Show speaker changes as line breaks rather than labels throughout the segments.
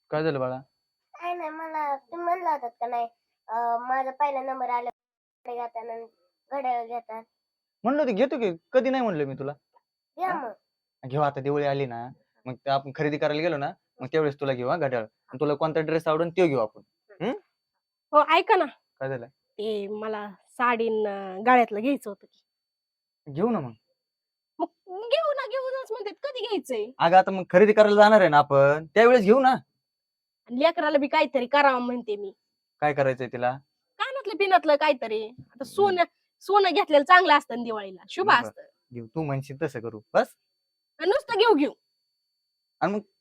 काय झालं बाळा?
काय नाही, मला तुम्ही म्हणला होतात का नाही माझा पहिला नंबर आला घेताना घड्याळ घेतात.
म्हणलं होतं घेतो की, कधी नाही म्हणलं मी तुला?
घ्या
हा?
मग.
घेऊ आता दिवाळी आली ना, मग ते आपण खरेदी करायला गेलो ना, मग त्यावेळेस तुला घेऊ घड्याळ. आणि तुला कोणता ड्रेस आवडेल ते घेऊ आपण.
हो ऐका ना,
काय झालं?
ते मला साडी गळ्यातलं घ्यायचं होतं की.
घेऊ ना मग.
मग घेऊनच म्हणतात, कधी घ्यायचंय?
अगं आता मग खरेदी करायला जाणार आहे ना आपण, त्यावेळेस घेऊ ना.
आणि लेकराला बी काहीतरी करावं म्हणते मी.
काय करायचंय तिला?
कानातलं पिनातलं काहीतरी. आता सोनं घेतलेलं चांगलं असतं ना दिवाळीला, शुभ
बरं.
असतं.
घेऊ, तू म्हणशील तसं करू बस.
आणि नुसतं घेऊ.
आणि मग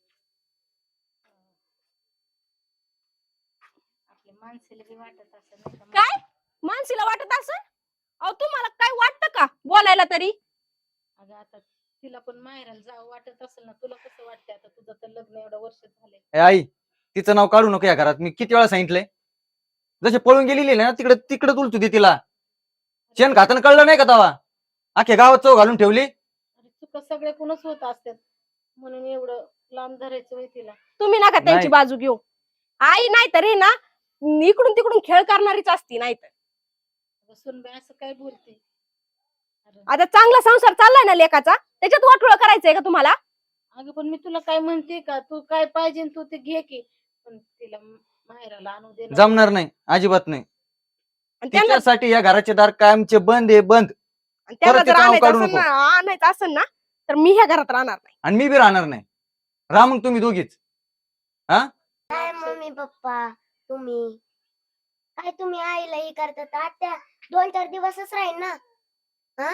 आपल्या माणसाला बी वाटत असं नाही का
काय मानसीला वाटत असं? अहो तुम्हाला काय वाटतं का बोलायला तरी?
अगं आता तिला पण माहेराला जावं वाटत असेल ना, तुला कसं वाटतंय? आता तुझं तर लग्न एवढं वर्ष झाले.
ए आई, तिचं नाव काढू नको या घरात. मी किती वेळा सांगितलंय, जसे पळून गेलेली ना तिकडे तिकडे तुलतो दे तिला. शेण खाताना कळलं नाही का तवा? अख्ख्या गावात चव घालून ठेवली.
अरे चुका सगळ्याकडूनच होत असतात, म्हणून एवढं लांब धरायचं होय तिला.
तुम्ही नका त्यांची
नाही.
बाजू घेऊ. आई नाही तरी ना इकडून तिकडून खेळ करणारीच असती, नाही तर
अगं सुनबाई असं काय बोलते? अरे
आता चांगला संसार चाललाय ना लेकाचा, त्याच्यात वाटोळ करायचंय का तुम्हाला?
अगं पण मी तुला काय म्हणते का, तू काय पाहिजे तू ते घे की, पण तिला माहेराला आणू दे ना.
जमणार नाही, अजिबात नाही.
आणि त्यांना
तिच्यासाठी या घराचे दार कायमचे बंद आहे, बंद.
त्यांना
परत ते
जर
नाव काढू
आणायचं असेल ना, तर मी ह्या घरात राहणार नाही.
आणि मी बी राहणार नाही. राहा मग तुम्ही दोघीच.
काय मम्मी पप्पा तुम्ही काय तुम्ही आईला हे करतात? आत्या 2-4 दिवसच राहील ना. हा,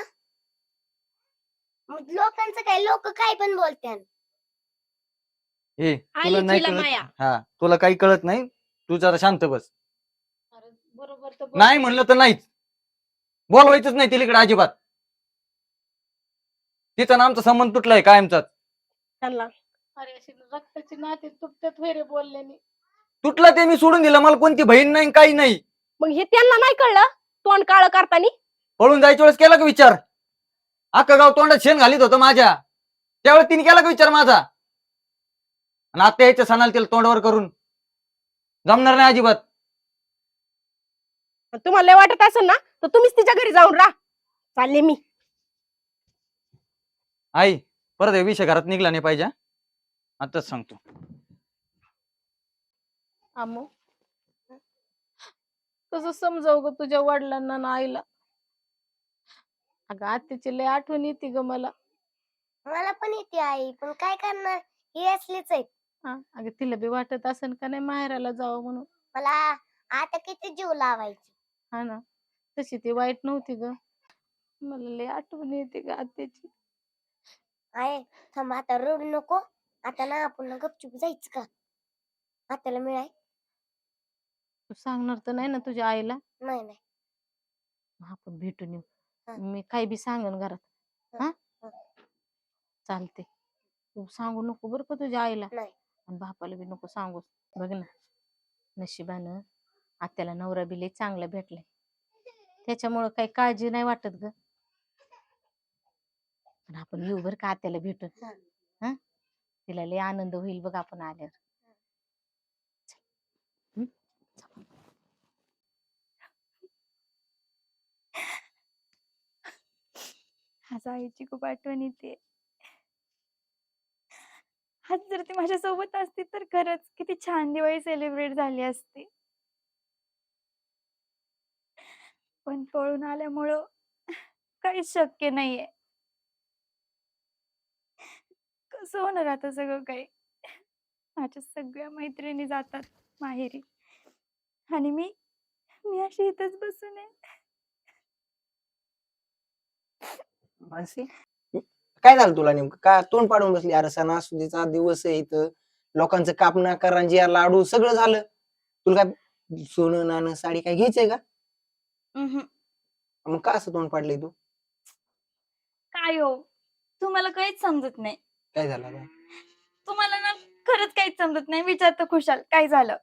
मग लोकांचं काय, लोक काय पण बोलत्यान.
हे तुला
आली
नाही
तिला
कळत.
माया.
हा, तुला काही कळत नाही. तू जरा शांत बस.
अरे बरोबर तर
नाही म्हणलं तर नाहीच. बोलवायचंच नाही तिला इकडे अजिबात. तिचा नामचा संबंध तुटलाय कायमचा.
त्यांना
अरे अशी रक्ताची नाते तुटतात होय रे बोलल्याने.
तुटला ते मी सोडून दिलं. मला कोणती बहीण नाही, काही नाही.
मग हे त्यांना नाही कळलं तोंड काळ करतानी?
पळून जायच्या वेळेस केला का विचार? अख्खं गाव तोंडात शेण घालीत होतं माझ्या. त्यावेळेस तिने केला का विचार माझा? आणि आता यायच्या सणाला तिला तोंडावर करून जमणार नाही अजिबात.
तुम्हाला लय वाटत असेल ना, तर तुम्हीच तिच्या घरी जाऊन राहा. चालले मी.
आई, परत हे विषय घरात निघला नाही पाहिजे. आताच सांगतो.
आमो कसं समजावं ग तुझ्या वडिलांना ना आईला? अगं आत्याची लय आठवण येते ग मला.
मला पण येते आई, पण काय करणार, ही असलीच आहे.
हा अगं तिला बी वाटत असेल का नाही माहेराला जावं म्हणून.
मला आता किती जीव लावायची.
हा ना, तशी ती वाईट नव्हती ग. मला लय आठवण येते ग आत्याची.
आहे, थांब आता रडू नको. आता ना आपण ना गपचूप जायचं का आत्याला मिळाय?
तू सांगणार तर नाही ना तुझ्या आईला?
नाही नाही.
मग आपण भेटून येऊ.
हा.
मी काही बी सांगन घरात. हा
हा.
चालते. तू सांगू नको बरं का तुझ्या आईला.
नाही.
आणि बापाला बी नको सांगू. बघ ना, नशिबानं आत्याला नवरा बी लय चांगला भेटलाय, त्याच्यामुळं काही काळजी नाही वाटत ग. पण आपण येऊ बरं का आत्याला भेटून.
हा.
हा, तिला लय आनंद होईल बघ आपण आल्यावर. हम्म?
आज आईची खूप आठवण येते. आज जर ती माझ्या सोबत असती तर खरंच किती छान दिवाळी सेलिब्रेट झाली असती. पण पळून आल्यामुळं काहीच शक्य नाहीये. कसं होणार आता सगळं काही? माझ्या सगळ्या मैत्रिणी जातात माहेरी आणि मी मी अशी इथंच बसून आहे.
मानसी, काय झालं तुला नेमकं? का तोंड पाडून बसली? अरे सणासुदीचा दिवस आहे इथं, लोकांचं कापणं करंजी लाडू सगळं झालं. तुला काय सोनं नाणं साडी काय घ्यायचंय का? मग का असं तोंड पाडलंय तू?
काय हो, तुम्हाला काहीच समजत नाही.
काय झालं आता?
तुम्हाला ना खरंच काहीच समजत नाही. विचारतं खुशाल काय झालं?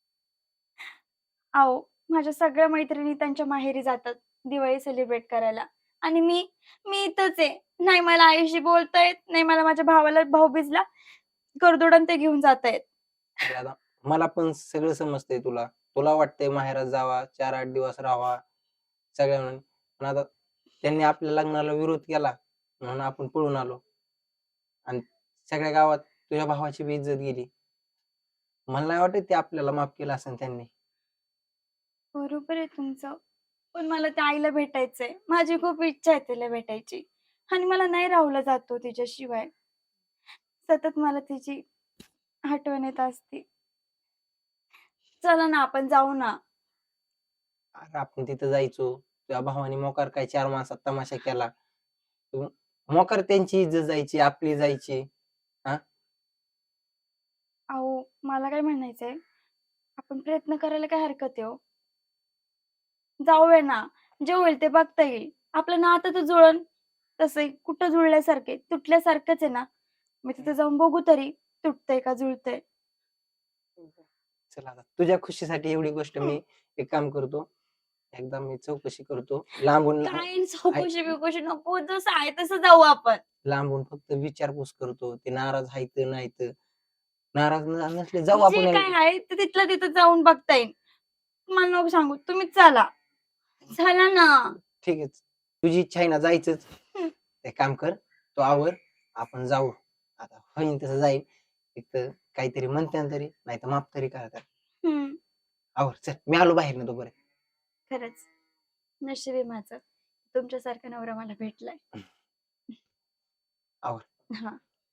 अहो, माझ्या सगळ्या मैत्रिणी त्यांच्या माहेरी जातात दिवाळी सेलिब्रेट करायला आणि मी मी इथंच आहे. नाही मला आईशी बोलता येत, नाही मला माझ्या भावाला भाऊबीजला करदोडण ते घेऊन जाता येत.
अरे आता मला पण सगळं समजतंय तुला तुला वाटतंय माहेरात जावा 4-8 दिवस राहावा सगळ्या म्हणून पण आता त्यांनी आपल्या लग्नाला विरोध केला म्हणून आपण पळून आलो आणि सगळ्या गावात तुझ्या भावाची बी इज्जत गेली मला नाही वाटत ते आपल्याला माफ केलं असेल त्यांनी
बरोबर आहे तुमचं. पण मला त्या आईला भेटायचंय. माझी खूप इच्छा आहे तिला भेटायची. आणि मला नाही राहुलं जातो तिच्याशिवाय. सतत मला तिची आठवण येत असते. चला ना आपण जाऊ ना.
अरे आपण तिथं जायचो तुझ्या भावाने मोकार काय 4 माणसात तमाशा केला मोकार त्यांची इज्जत जायची आपली जायची
अहो मला काय म्हणायचंय आपण प्रयत्न करायला काय हरकत आहे हो. जाऊया ना. जे होईल ते बघता येईल. आपलं नातं तर जुळन तसंही कुठं जुळल्यासारखे तुटल्यासारखंच आहे ना. मी तिथे जाऊन बघू तरी तुटतंय का जुळतंय.
चला आता तुझ्या खुशीसाठी एवढी गोष्ट मी एक काम करतो एकदा मी चौकशी करतो लांबून
काय चौकशी बिकशी नको जसं आहे तसं जाऊ आपण.
लांबून फक्त विचारपूस करतो ते नाराज आहेत नाहीत नाराज नसले जाऊ आपण
जे काय आहे ते तिथलं तिथं जाऊन बघता येईल. मला नको सांगू तुम्हीच चला. चला ना.
ठीक आहे तुझी इच्छा आहे ना जायचंच ते काम कर तो आवर आपण जाऊ आता होईन तसं जाईल एक तर काहीतरी म्हणते तरी नाही तर माफ तरी करतात
हम्म.
आवर चल मी आलो बाहेर ना तोपर्यंत
खरंच नशीब आहे माझं तुमच्यासारखा नवरा मला भेटलाय.
आवर.
हा.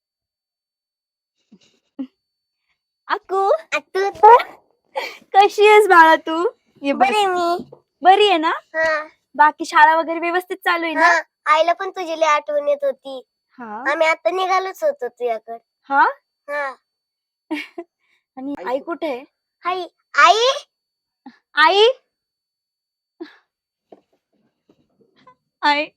अक्कू
तू
कशी आहेस बाळा तू? ये बस.
बरे मी.
बरी आहे ना?
हा
बाकी शाळा वगैरे व्यवस्थित चालू आहे ना?
हा आईला पण तुझी लई आठवण येत होती.
हा.
आम्ही आता निघालोच होतो तुझ्याकडे.
हा.
हा
आणि आई कुठे आहे?
आई आई
आई आई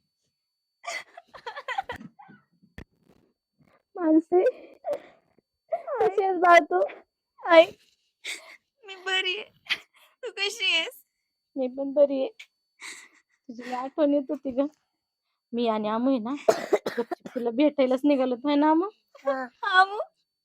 मानसी कशी आहेस बाळ तू? आई मी बरी आहे. तू कशी आहेस?
मी पण बरी आहे. तुझी लई आठवण येत होती ग. मी आणि आमू आहे ना गपचूप तुला भेटायलाच निघालो आहे ना आमू?
हा मग.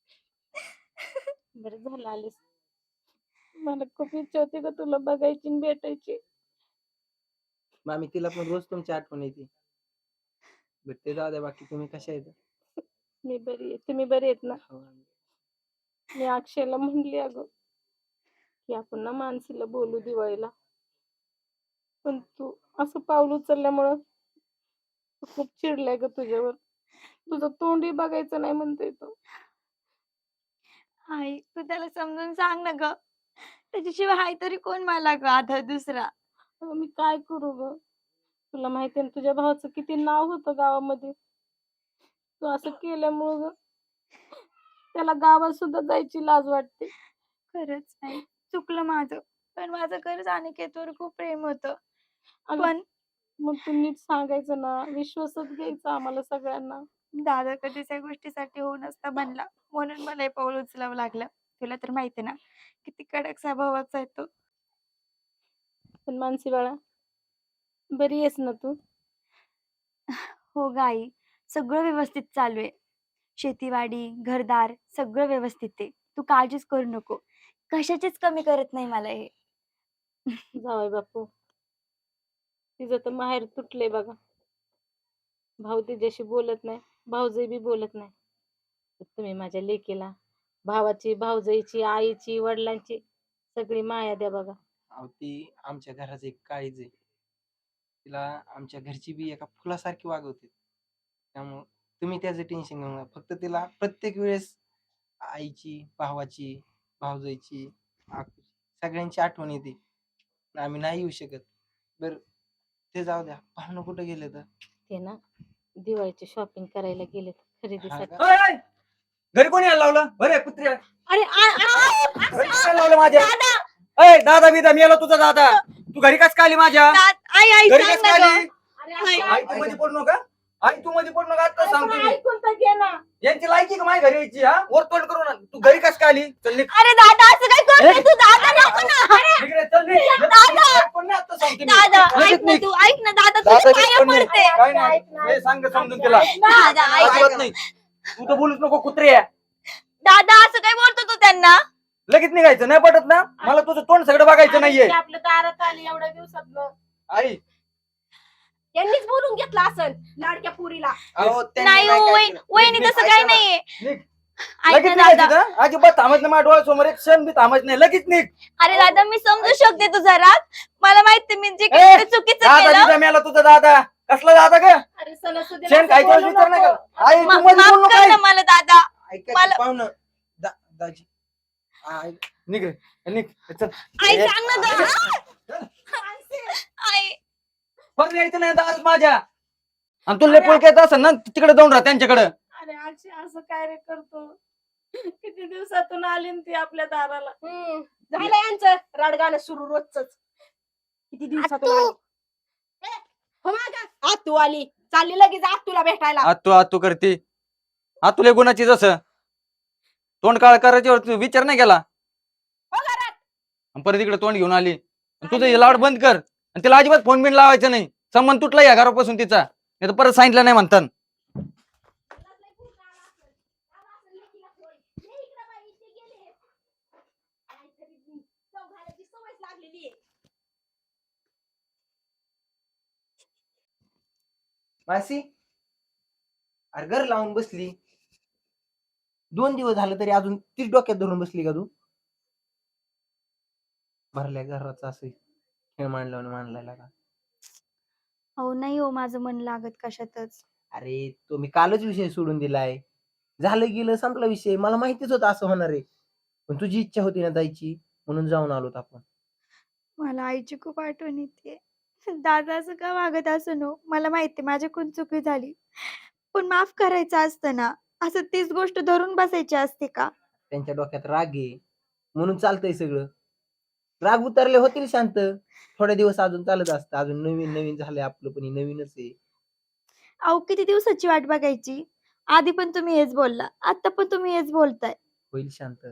बरं झालं आलीस. मला खूप इच्छा होती ग तुला बघायची आणि भेटायची.
मामी तिला पण रोज तुमची आठवण येते भेटते जाऊ द्या बाकी तुम्ही कशा आहेत
मी बरी आहे. तुम्ही बरे आहेत ना? मी अक्षयला म्हणली अगं की आपण ना मानसीला बोलू दिवाळीला पण तू असं पाऊल उचलल्यामुळं खूप चिडलाय ग तुझ्यावर. तुझं तोंडही बघायचं नाही म्हणतोय तो.
आई तू त्याला समजून सांग ना ग. त्याच्याशिवाय हाय तरी कोण मला ग आधार दुसरा.
अगं मी काय करू ग? तुला माहिती आहे ना तुझ्या भावाचं किती नाव होतं गावामध्ये. तू असं केल्यामुळं ग त्याला गावात सुद्धा जायची लाज वाटते.
खरंच आई चुकलं माझं. पण माझं खरंच अनिकेतवर खूप प्रेम होतं.
अगं,
पण
मग तू नीट सांगायचं ना विश्वासात घ्यायचा आम्हाला सगळ्यांना.
दादा कधीच या गोष्टीसाठी होऊ नसता बनला म्हणून मला हे पाऊल उचलावं लागलं. तुला तर माहिती आहे ना किती कडक स्वभावाचा आहे तो.
पण मानसी बाळा बरी आहेस ना तू?
हो ग आई सगळं व्यवस्थित चालू आहे. शेतीवाडी घरदार सगळं व्यवस्थित आहे. तू काळजीच करू नको. कशाचीच कमी करत नाही मला हे.
जावई बापू तिचं तर माहेर तुटले बघा. भाऊ तिच्याशी बोलत नाही भाऊजाई बी बोलत नाही. तर तुम्ही माझ्या लेकीला भावाची भाऊजाईची आईची वडिलांची सगळी माया द्या बघा.
अहो ती आमच्या घराचं एक काळीज आहे तिला आमच्या घरची बी एका फुलासारखी वागवते त्यामुळं तुम्ही त्याचं टेन्शन घेऊ नका फक्त तिला प्रत्येक वेळेस आईची भावाची भाऊजाईची सगळ्यांची आठवण येते आम्ही नाही येऊ शकत बर ते जाऊ द्या पाहुणं कुठं गेले तर
ते ना दिवाळीची शॉपिंग करायला गेलेत खरेदीसाठी.
ओय, ओय! घरी कोणी यायला लावलं बरे कुत्र्या
अरे
घरी काय लावलं माझ्या अय दादा बिदा मेला तुझा दादा तू घरी कस काय आली माझ्या
आई आई
घरी
सांग
कस
ना
काय
ग.
आली आई तू मध्ये पडू नका आई तू मध्ये पडू नका आता सांगतो मी
ऐकून तर घे ना.
यांची लायकी का माझ्या घरी यायची हा वर तोंड करू ना तू घरी कस काय आली चल निघ.
अरे दादा असं काय करतोय तू? दादा नको ना.
इकडे चल निघ.
दादा!
कोण नाही आता सांगतो मी.
दादा
लगेच
ऐक ना
निघ.
तू ऐक ना दादा
दादा
तुझ्या पाया
कोण नाही.
पडते.
काय नाही हे सांग समजून तिला
दादा ऐक
अजिबात नाही तू तर बोलूच नको कुत्रे
दादा असं काय बोलतो तू त्यांना?
लगेच निघायचं नाही पटत ना मला तुझं तोंड सगळं बघायचं नाहीये.
ती आपल्या दारात आली एवढ्या दिवसात.
आई
यांनीच बोलून घेतला असन लाडक्या पुरीला.
अहो, त्यांनी
नाही
काय
हो,
काय
वहिनी
केलं?
वहिनी
नीट
तसं
ऐका
काही
ना.
नाहीये.
निघ.
ऐक
लगेच
ना
निघायचं
दादा.
का? अजिबात थांबत नाही माझ्या डोळ्यासमोर एक क्षण बी थांबत नाही लगेच निघ.
अरे दादा मी समजू शकते तुझा राग. मला माहिती मी जे
ए,
काही ते चुकीचं
दादा
केलं.
तिथं मेला तुझा दादा कसला दादा ग
अरे सणासुदीला
शेण
असं
खायच्या
बोलू
विचार नाही
नको.
का आई तू
मा-
मध्ये बोलू
माफ
नको
कर
आई.
ना मला दादा.
ऐका की
मला-
पाहुणं. दाजी
निघ रे निघ चल.
आई
ए,
सांग ना दादा. आई
परत यायचं नाही दादा माझ्या आणि तुला लेपोळ येत असेल ना तिकडे जाऊन राहा त्यांच्याकडे.
अरे आजी असं काय रे करतो. किती दिवसातून आली न ती आपल्या दाराला.
झालं यांचं रडगाणं सुरू रोजच. किती दिवसातून
आतू.
आली. ए, हो मागं. आतू आली चालली लगेच आतूला भेटायला.
आतू करते आतुले गुणाची जसं तोंड काळ करायच्यावर तू विचार नाही केला
हो घरात.
आणि परत इकडे तोंड घेऊन आली आणि तुझं हे लाड बंद कर आणि तिला अजिबात फोन बिन लावायचं नाही. संबंध तुटला या घरापासून तिचा नाही तर परत सांगितलं नाही म्हणतात.
मासी अरे घर लावून बसली 2 दिवस झालं तरी अजून तीच डोक्यात धरून बसली का तू? भरल्या घराचा असं खेळ मांडलाय का?
हो नाही हो माझं मन लागत कशातच.
अरे तो मी कालच विषय सोडून दिलाय. झालं गेलं संपला विषय. मला माहितीच होतं असं होणार आहे. पण तुझी इच्छा होती ना जायची म्हणून जाऊन आलोत आपण.
मला आईची खूप आठवण येते. दादा असं का वागत असं नो मला माहिती माझ्याकडून चुकी झाली. पण माफ करायचं असतं ना. असं तीच गोष्ट धरून बसायची असते का?
त्यांच्या डोक्यात राग आहे म्हणून चालतंय सगळं. राग उतरले होतील शांत. थोडे दिवस अजून चालत असतं. अजून नवीन झालंय आपलं पण हे नवीनच आहे.
अहो किती दिवसाची वाट बघायची. आधी पण तुम्ही हेच बोलला आता पण तुम्ही हेच बोलताय.
होईल शांत.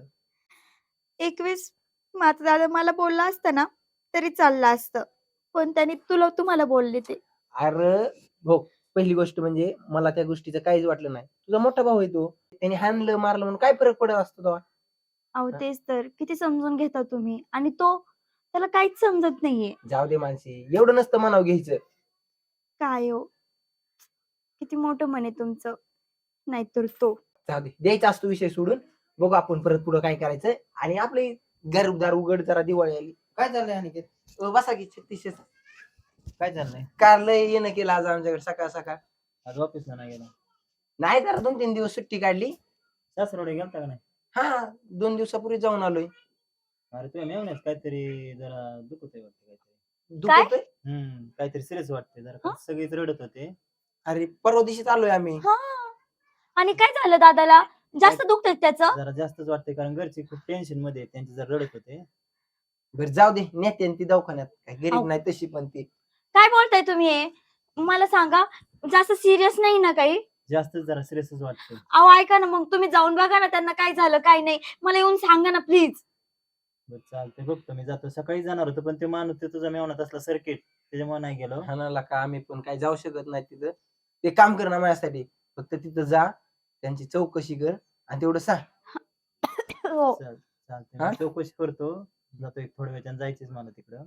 एक वेळेस माझा दादा मला बोलला असता ना तरी चाललं असतं. पण त्यांनी तुम्हाला बोलले ते.
अरे हो पहिली गोष्ट म्हणजे मला त्या गोष्टीचं काहीच वाटलं नाही. तुझा मोठा भाऊ आहे तो. त्याने हाणलं मारलं म्हणून काय फरक पडत असतो तेव्हा?
अहो तेच तर किती समजून घेता तुम्ही आणि तो त्याला काहीच समजत नाहीये.
जाऊ दे मानसी एवढं नसतं मनाव घ्यायचं.
काय हो किती मोठं मन आहे तुमचं. नाहीतर तो
जाऊ दे द्यायचा असतो विषय सोडून. बघू आपण परत पुढं काय करायचं. आणि आपले घरदार उघड जरा दिवाळी आली. काय चाललंय अनिकेत? बसा की 36
काय चाललंय
कारलं येणं केलं आज आमच्याकडे सकाळ सकाळ.
आज ऑफिसला नाही गेला
नाही जरा 2-3 दिवस सुट्टी काढली.
सासरवडे गेलता का नाही?
हा 2 दिवसापूर्वी जाऊन आलोय.
अरे तुझ्या मेवण्यास काहीतरी जरा दुखत आहे वाटतं काहीतरी.
दुखतोय?
काहीतरी सिरियस वाटते जरा
हं?
सगळीच रडत होते.
अरे परवा दिवशीच आलोय आम्ही.
हा आणि काय झालं दादाला जास्त दुखतंय त्याचं.
जरा जास्तच वाटते कारण घरचे खूप टेन्शन मध्ये आहेत. त्यांचे जरा रडत होते.
बरं जाऊ दे नेते ती दवाखान्यात. काय गरीब
अहो.
नाही तशी पण ती.
काय बोलताय तुम्ही हे? मला सांगा जास्त सिरियस नाही ना काही.
जास्तच जरा सिरियसच वाटते.
अहो ऐका ना मग तुम्ही जाऊन बघा ना त्यांना काय झालं काय नाही. मला येऊन सांगा ना प्लीज.
बरं चालतंय बघतो मी जातो. सकाळी जाणार होतो पण ते माणूस ते तुझा मेवण्यात असला सर्किट त्याच्यामुळे नाही गेलो.
हाणाला का आम्ही पण काय जाऊ शकत नाही तिथं. ते काम कर ना माझ्यासाठी. फक्त तिथं जा त्यांची चौकशी कर आणि तेवढं सांग.
हो
चालतंय
हा?
मी चौकशी करतो. जातो एक थोड्या वेळाने जायचंच मला तिकडं.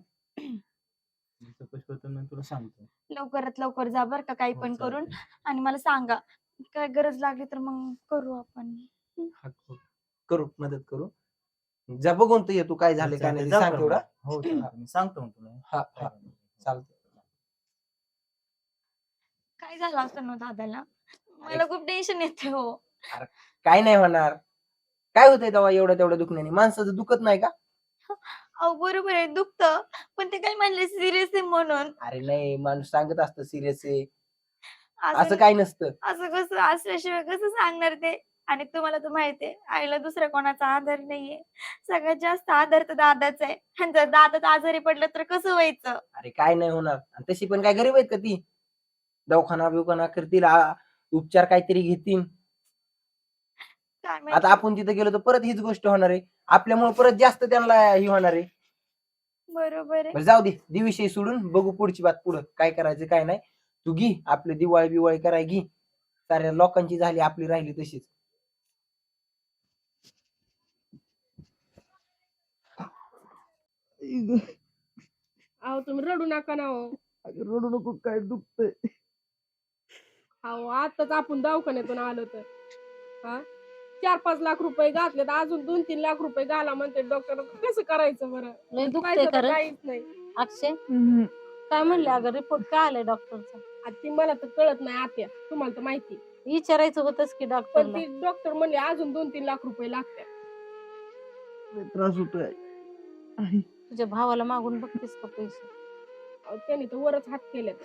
मी चौकशी करतो मग तुला सांगतो.
लवकरात लवकर जा बर का काही
हो,
पण करून
चालतंय.
आणि मला सांगा. काय गरज लागली तर मग करू आपण.
हा, करू मदत करू. जा बघून तू ये तू काय झाले काय नाही ते
जाऊ
सांग
का
तेवढा.
मग? हो चालतंय. मी सांगतो मग तुला.
हा हा चालतं.
काय झालं असतं ना दादाला. मला खूप टेन्शन येते हो.
काय नाही होणार. काय होतंय तेव्हा एवढं तेवढं दुखण्याने? माणसाचं दुखत नाही का?
अहो बरोबर आहे दुखतं पण ते काय म्हणले सिरियस आहे म्हणून.
अरे नाही माणूस सांगत असतं सिरियस आहे. असं
असं
काय नसतं.
असं कसं असल्याशिवाय कसं सांगणार ते. आणि तुम्हाला तर माहितीये आईला दुसऱ्या कोणाचा आधार नाहीये. सगळ्यात जास्त आधार तर दादाचा आहे. आणि जर दादाच आजारी पडलं तर कसं व्हायचं.
अरे काय नाही होणार. आणि तशी पण काय गरीब आहेत का ती? दवाखाना बिवखाना करतील उपचार काहीतरी घेतील.
काय
आता
माहिती.
आपण तिथे गेलो तर परत हीच गोष्ट होणार आहे. आपल्यामुळे परत जास्त त्यांना ही होणार आहे.
बरोबर आहे.
बरं जाऊ दे विषय सोडून बघू पुढची बात. पुढं काय करायचं काय नाही. तू घे आपली दिवाळी बिवाळी कराय घे. साऱ्या लोकांची झाली आपली राहिली तशीच.
अहो तुम्ही रडू नका ना हो.
रडू नको, काय दुखतंय.
अहो आताच आपण दवाखान्यातून आलो तर हा 4-5 लाख रुपये घातले तर अजून 2-3 लाख रुपये घाला म्हणते डॉक्टर. कसं करायचं बरं?
लय दुखतंय
पैसा तर
खरं.
काहीच नाही.
अक्षय काय म्हणले अगं रिपोर्ट काय आलाय डॉक्टरचा?
आता ती मला तर कळत नाही आत्या, तुम्हाला तर माहिती.
विचारायचं होतच की
पण
डॉक्टरला.
ती डॉक्टर म्हणले अजून 2-3 लाख रुपये लागतात.
त्रास होतोय.
तुझ्या भावाला मागून बघतेस का पैसे?
अहो, त्यांनी तर वरच हात केलेत.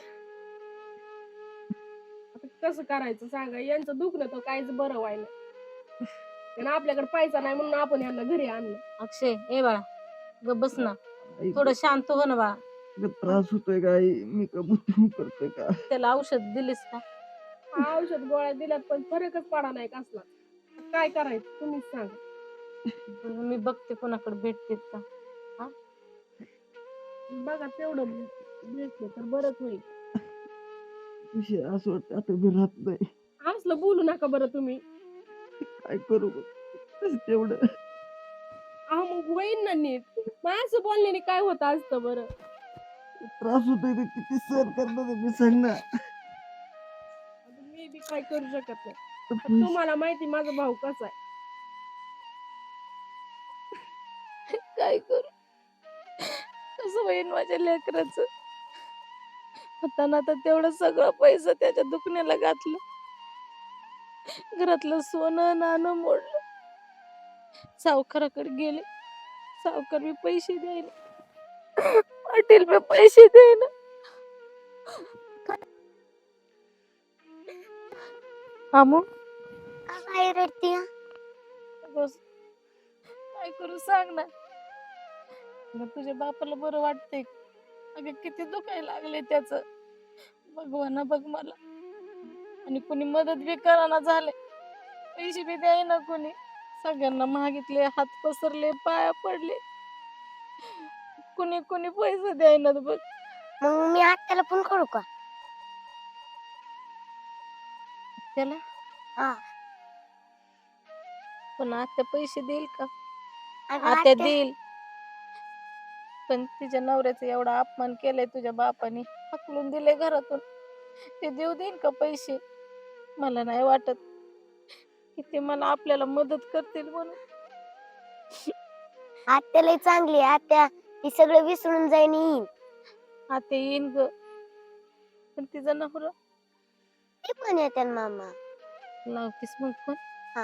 आता कसं करायचं सांगा, यांचं दुखणं तर काहीच बरं व्हायला. आणि आपल्याकडे पैसा नाही म्हणून आपण यांना घरी आणलं.
अक्षय ए बाळा ग बस ना, थोडं शांत हो ना बाळा.
त्रास होतोय काय, मी कबूल करतोय का?
त्याला औषध दिलीस का?
औषध गोळ्या दिल्यात पण फरकच पडा नाही कसला. काय करायचं तुम्हीच सांगा.
बरं, मी बघते कोणाकडे भेटतेत का.
बघा तेवढं भेटलं तर बरंच होईल.
असं वाटतं आता मी राहत नाही.
असलं बोलू नका बरं तुम्ही.
काय करू तेवढं.
अहो मग होईन ना नीट. माझं बोलण्याने काय होत असतं बरं?
त्रास होतोय तर किती सहन करणार मी, सांग ना.
आता मी बी काय करू शकत नाही. पण तुम्हाला माहिती माझा भाऊ कसा आहे.
काय करू, कसं होईन माझ्या लेकराचं? होताना तर तेवढं सगळं पैसा त्याच्या दुखण्याला घातलं, घरातलं सोनं नाणं मोडलं. सावकाराकडे गेले, सावकार मी पैसे द्यायला, पाटील मी पैसे द्यायला. आमू
काय रडती?
बस, काय करू सांग ना. अगं तुझ्या बापाला बरं वाटतंय? अगं किती दुखायला लागले त्याच. भगवाना बघ मला. आणि कुणी मदत बी कराना झाले, पैसे बी द्यायना कुणी. सगळ्यांना मागितले, हात पसरले, पाया पडले, कुणी कुणी पैसे द्यायना बघ.
मग मी आत्याला फोन करू का?
त्याला
हा.
पण आता पैसे देईल का?
अगं
आता
आत्या,
देईल, पण तिच्या नवऱ्याचा एवढा अपमान केलाय तुझ्या बापाने, हकलून दिले घरातून. ते देऊ देईन का पैसे? मला नाही वाटत की ते मला आपल्याला मदत करतील म्हणून.
आत्या लय चांगली आहे. आत्या ती सगळं विसरून जाईन येईन.
आता येईन ग, पण तिचा नवरा.
ते पण येते ना मामा.
लावतीस मग फोन?
हा.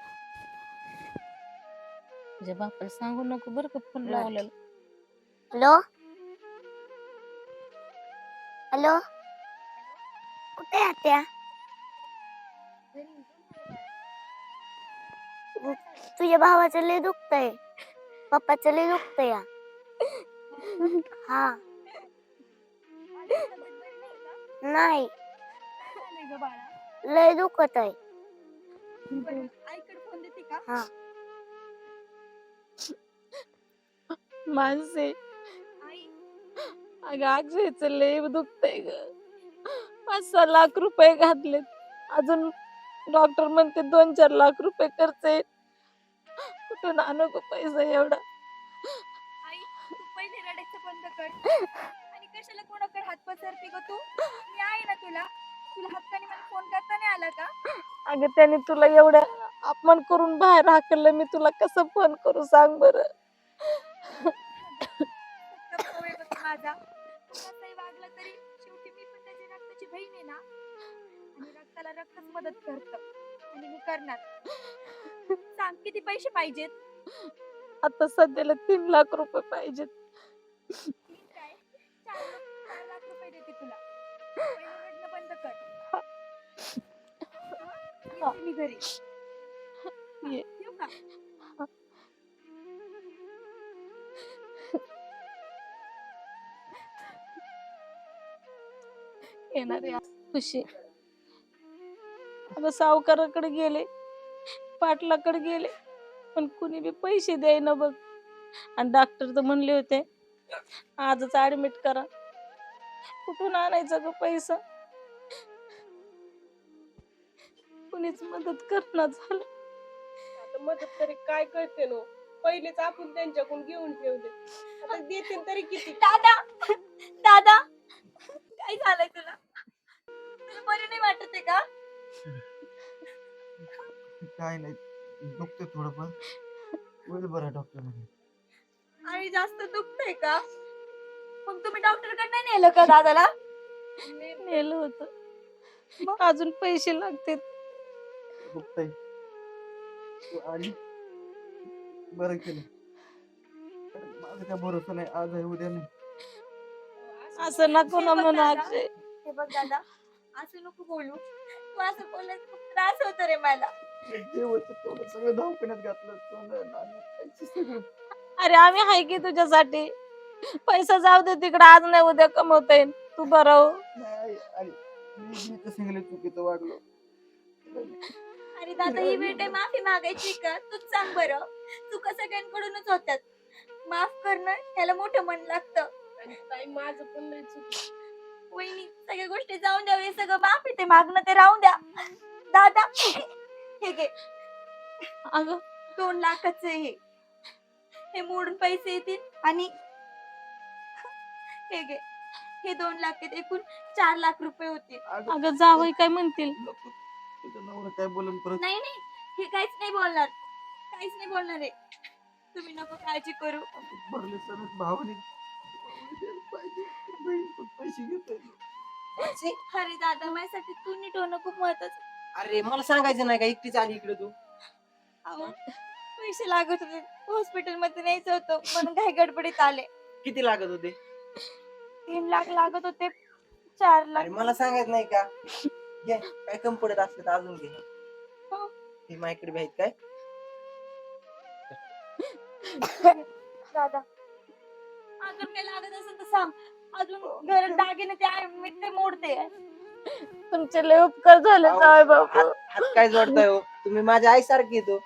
तुझ्या बापाला सांगू नको बरं का फोन लावलेला.
हॅलो हॅलो, कुठे आहे आत्या? तुझ्या भावाचं लय दुखतंय, पप्पाचं लय दुखतंय. हा. नाही, लय दुखत आहे. हा.
माणसे अगं अक्षयचं लय दुखतंय ग. 5-6 लाख रुपये घातलेत, अजून डॉक्टर म्हणते 2-4 लाख रुपये खर्च आहे. कुठून आणू ग पैसा एवढा?
आई तू पहिले रडायचं बंद कर आणि कशाला कोणाकडे हात पसरते ग तू? मी आहे ना तुला. तुला हक्काने मला फोन करता नाही आला का?
अगं त्याने तुला एवढा अपमान करून बाहेर हाकललं, मी तुला कसं फोन करू सांग बरं?
सख्खा भाऊ आहे बघ माझा. तो कसाही वागला तरी शेवटी मी पण त्याची रक्ताची बहीण आहे ना. आणि रक्ताला रक्तच मदत करतं. आणि मी करणार. सांग किती पैसे पाहिजेत?
आता सध्याला 3 लाख रुपये पाहिजेत.
ठीक आहे, 4 लाख रुपये देते तुला. पहिले रडणं बंद कर. हा, येते मी घरी.
ये.
येऊ का?
येणार आहे खुशी. अगं सावकाराकडे गेले, पाटलाकडे गेले, पण कुणी बी पैसे द्यायना बघ. आणि डॉक्टर तर म्हणले होते आजच ऍडमिट करा. कुठून आणायचं ग पैसा? कुणीच मदत करणार झालं.
आता मदत तरी काय करते नो? पहिलेच आपण त्यांच्याकडून घेऊन ठेवले, आता देतील तरी किती?
दादा दादा काय झालंय तुला तुला बरं नाही वाटत आहे का?
काय नाही दुखतंय थोडंफार होईल बरं डॉक्टर.
आणि जास्त दुखतंय का? मग तुम्ही डॉक्टरकडे नाही नेलं का दादाला?
नेलं होतं, अजून पैसे लागतील.
दुखतंय तू आली बरं केलं. माझा काय भरोसा नाही, आज आहे उद्या नाही.
असं नको ना
हे बघ
म्हणू
दादा,
अक्षय.
हे बघ दादा असं नको बोलू. तू असं बोलल्यास खूप त्रास होतो रे मला.
जेवढचं तेवढं सगळं दवाखान्यात घातलं सोनं नाणं पैसे सगळं.
अरे आम्ही आहे की तुझ्यासाठी. पैसा जाऊ दे तिकडे, आज नाही उद्या कमवता येईल. तू बरं हो.
नाही आणि मी तर सांगले चुकीचं वागलो.
अरे दादा ही वेळ काय माफी मागायची का? तूच सांग बरं. चुका सगळ्यांकडूनच होतात. माफ करणं ह्याला मोठं मन लागतं.
आणि ताई माझं पण लय चुकलं.
वहिनी सगळ्या गोष्टी जाऊन द्या, हे सगळं माफी ते मागणं ते राहून द्या. दादा हे घे
अगं
2 लाखाचं हे मोडून पैसे येतील आणि हे घे हे 2 लाख आहेत, एकूण 4 लाख रुपये होतील.
अगं जावई काय म्हणतील?
नको, तुझं नवरा काय बोलून परत.
नाही नाही हे काहीच नाही बोलणार, काहीच नाही बोलणार आहे. तुम्ही नको काळजी करू.
भरले सगळं भावने पाहिजे बहीण पण पैसे घेतोय.
अरे दादा माझ्यासाठी तू नीट होणं खूप महत्वाचं.
अरे मला सांगायचं नाही का एकटीच आली इकडे तू?
अहो पैसे लागत होते, हॉस्पिटल मध्ये न्यायचं होतं म्हणून काही गडबडीत आले.
किती लागत होते?
3 लाख लागत होते, 4 लाख.
अरे मला सांगायचं नाही का? घे काय कमी पडत असलं तर अजून घे.
हो.
हे माझ्याकडे बी आहेत काय?
दादा अजून काय लागत असेल तर सांग. अजून घरात दागिने ते आहे, मी ते मोडते.
तुमचे लय उपकार झाले
अहो,
जावई बापू.
हात काय जोडताय हो? तुम्ही माझ्या आईसारखी तो.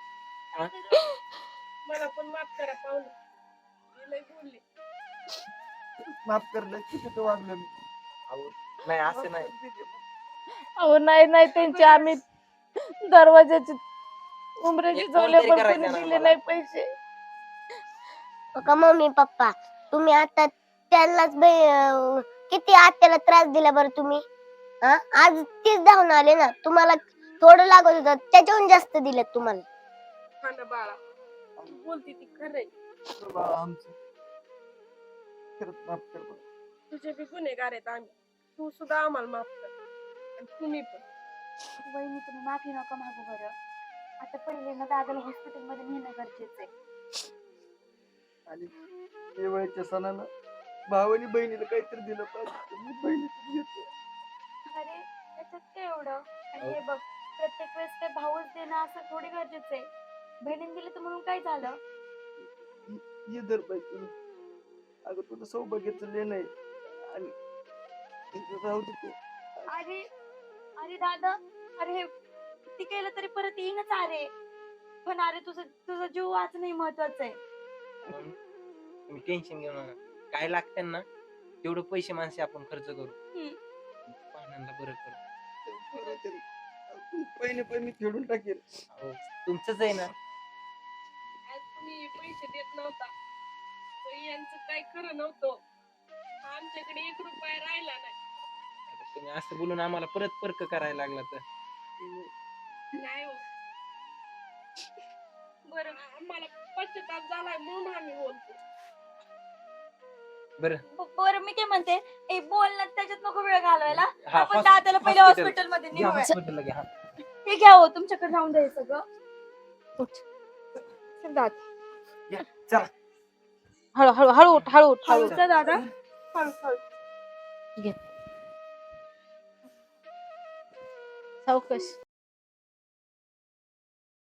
मला पण माफ करा पाहुणे, मी लय बोलले.
माफ करलं चुकीचं वागलो मी.
अहो, नाही असं नाही.
अहो नाही नाही, त्यांचे आम्ही दरवाजाची उमरेची
एक
जवळ
कोणतरी
पण
करायचं
कोणी
ना
दिले
मला.
नाही पैसे.
का मम्मी पप्पा तुम्ही आता त्यांनाच किती आत्याला त्रास दिला बरं तुम्ही? हा आज तीच धावून आले ना, तुम्हाला थोडं लागत होतं त्याच्याहून जास्त दिलं तुम्हाला.
हा ना बाळा, तू बोलती ती खरंय.
बाळा आमचं खरंच माफ कर बरं.
तुझे बी गुन्हेगार आहेत आम्ही, तू सुद्धा आम्हाला माफ कर. आणि तुम्ही पण.
वहिनी तुम्ही माफी नका मागू बरं. आता पहिले ना दादाला हॉस्पिटल मध्ये नेणं गरजेचं आहे.
आणि दिवाळीच्या सणानं भावानी बहिणीला काहीतरी दिलं पाहिजे. मी बहिणीचं घेतो.
अरे त्याच्यात काय एवढं? आणि हे बघ प्रत्येक वेळेस काय भाऊच देणं असं थोडी गरजेचं आहे. बहिणीने दिलं तर म्हणून काय झालं?
ये दर बाई अगं तुझं सौभाग्याचं लेण आहे आणि इथं राहू दे ते.
अरे अरे दादा अरे हे किती केलं तरी परत येईनच. अरे पण अरे तुझं तुझा जीव वाचणं महत्वाचं आहे.
तुम्ही टेन्शन घेऊ नका. काय लागतं ना तेवढं पैसे माणसे आपण खर्च करू. पाहुण्यांना बरं करू.
बरं तरी. पहिले मी फेडून टाकेल.
अहो, तुमचंच आहे ना.
आज तुम्ही पैसे देत नव्हता तर यांचं काय खरं नव्हतं. आमच्याकडे 1 रुपया राहिला नाही.
आता तुम्ही असं बोलून आम्हाला परत पर्क करायला लागला तर
नाही हो, बरं आम्हाला पश्चाताप झालाय म्हणून आम्ही बोलतो.
बरं.
बरं मी काय म्हणते, ए बोल ना, त्याच्यात नको वेळ घालवायला.
हा,
आपण दादाला पहिले
hospital.
हॉस्पिटल मध्ये
घ्या
नेऊया.
हॉस्पिटलला घ्या.
हे घ्या हो, तुमच्याकडे राहून द्या हे सगळं. उठ. चल दादा.
चला.
हळू हळू हळू उठ, हळू उठ, हळू
हळू
उठ.
चल दादा. हळू हळू.
सावकाश.